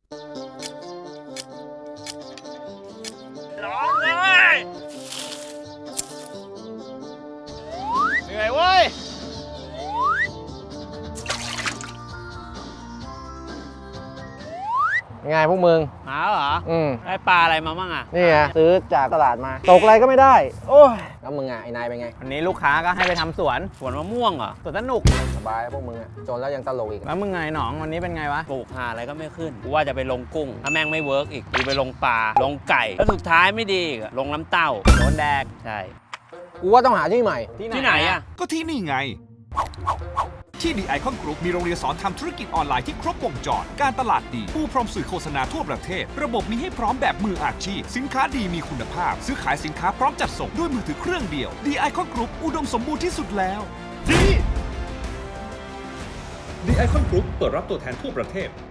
ร้องเลยเหนื่อยเว้ยยังไงพวกมึงหาเหรอได้ปลาอะไรมาบ้างอ่ะนี่ไงซื้อจากตลาดมา ตกอะไรก็ไม่ได้ โอ้ยแล้วมึงอ่ะไอ้นายเป็นไงวันนี้ลูกค้าก็ให้ไปทำสวนสวนมะม่วงเหรอสวนสนุกสบายพวกมึงอ่ะจนแล้วยังตลกอีกแล้วมึงไงหนองวันนี้เป็นไงวะปลูกหาอะไรก็ไม่ขึ้น กูว่าจะไปลงกุ้ง ถ้าแม่งไม่เวิร์กอีกกูไปลงปลา ลงไก่ แล้วสุดท้ายไม่ดีอีกอะลงน้ำเต้าโดนแดกใช่กูว่าต้องหาที่ใหม่ที่ไหนอ่ะก็ที่นี่ไง ที่ The Icon Group มีโรงเรียนสอนทำธุรกิจออนไลน์ที่ครบวงจร การตลาดดีผู้พร้อมสื่อโฆษณาทั่วประเทศ ระบบมีให้พร้อมแบบมืออาชีพ สินค้าดีมีคุณภาพ ซื้อขายสินค้าพร้อมจัดส่งด้วยมือถือเครื่องเดียว The Icon Group อุดมสมบูรณ์ที่สุดแล้วดี The Icon Group เปิดรับตัวแทนทั่วประเทศ